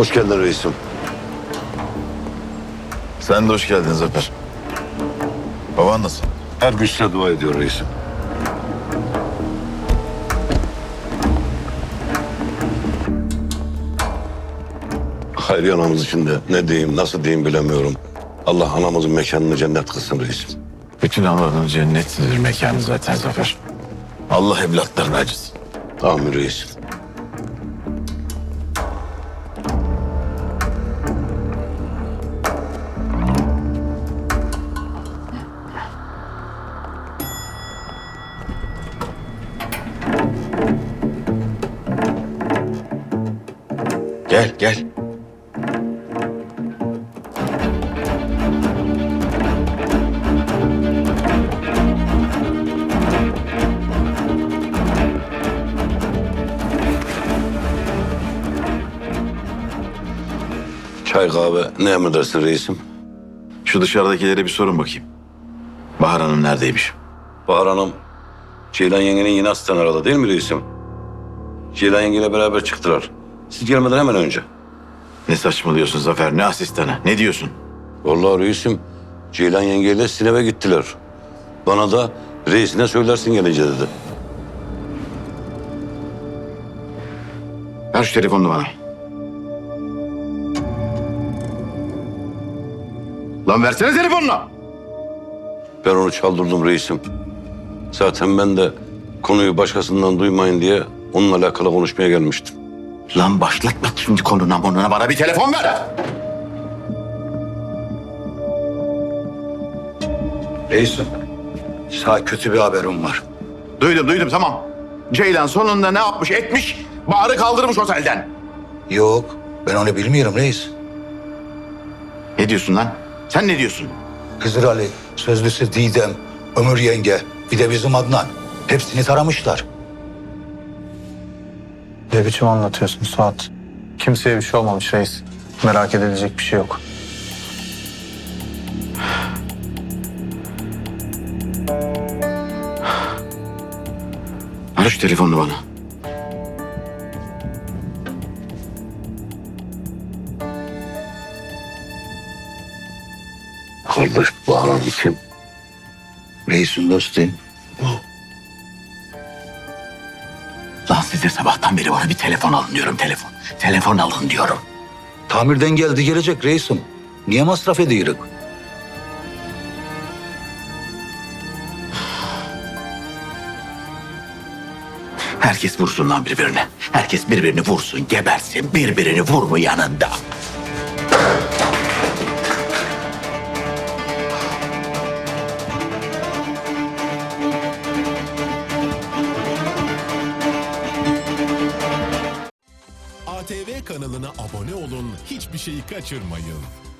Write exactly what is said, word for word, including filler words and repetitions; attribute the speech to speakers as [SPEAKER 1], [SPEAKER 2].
[SPEAKER 1] Hoş geldin reisim.
[SPEAKER 2] Sen de hoş geldin Zafer. Baban nasıl?
[SPEAKER 1] Her gün size dua ediyor reisim. Hayriye anamız için de ne diyeyim, nasıl diyeyim bilemiyorum. Allah anamızın mekanını cennet kılsın reisim.
[SPEAKER 2] Bütün Allah'ın cennetlidir mekanı zaten Zafer. Allah evlatlarını acısın.
[SPEAKER 1] Amin reisim.
[SPEAKER 2] Gel gel.
[SPEAKER 1] Çay kahve ne emredersin reisim?
[SPEAKER 2] Şu dışarıdakilere bir sorun bakayım. Bahar Hanım neredeymiş?
[SPEAKER 1] Bahar Hanım, Ceylan yengenin yine asistan aradı değil mi reisim? Ceylan yengeyle beraber çıktılar. Siz gelmeden hemen önce.
[SPEAKER 2] Ne saçmalıyorsun Zafer? Ne asistanı? Ne diyorsun?
[SPEAKER 1] Vallahi reisim, Ceylan yengeyle sizin eve gittiler. Bana da reisine söylersin gelince dedi.
[SPEAKER 2] Ver şu telefonunu bana. Lan versene telefonunu.
[SPEAKER 1] Ben onu çaldırdım reisim. Zaten ben de konuyu başkasından duymayın diye onunla alakalı konuşmaya gelmiştim.
[SPEAKER 2] Lan başlatma şimdi konuna monuna, bana bir telefon ver.
[SPEAKER 3] Reisim, sana kötü bir haberim var.
[SPEAKER 2] Duydum duydum tamam. Ceylan sonunda ne yapmış etmiş? Bahar'ı kaldırmış otelden.
[SPEAKER 3] Yok, ben onu bilmiyorum reis.
[SPEAKER 2] Ne diyorsun lan? Sen ne diyorsun?
[SPEAKER 3] Hızır Ali, sözlüsü Didem, Ömür yenge, bir de bizim Adnan. Hepsini taramışlar.
[SPEAKER 4] Ne biçim anlatıyorsun Suat? Kimseye bir şey olmamış reis. Merak edilecek bir şey yok.
[SPEAKER 2] Ver şu telefonunu bana.
[SPEAKER 1] Kardeş Bahar Hanım kim?
[SPEAKER 3] Reisin dostu.
[SPEAKER 2] Lan size sabahtan beri bana bir telefon alın diyorum, telefon. Telefon alın diyorum.
[SPEAKER 3] Tamirden geldi gelecek reisim. Niye masraf ediyoruz?
[SPEAKER 2] Herkes vursun lan birbirine. Herkes birbirini vursun, gebersin. Birbirini vur mu yanında?
[SPEAKER 5] A T V kanalına abone olun, hiçbir şeyi kaçırmayın.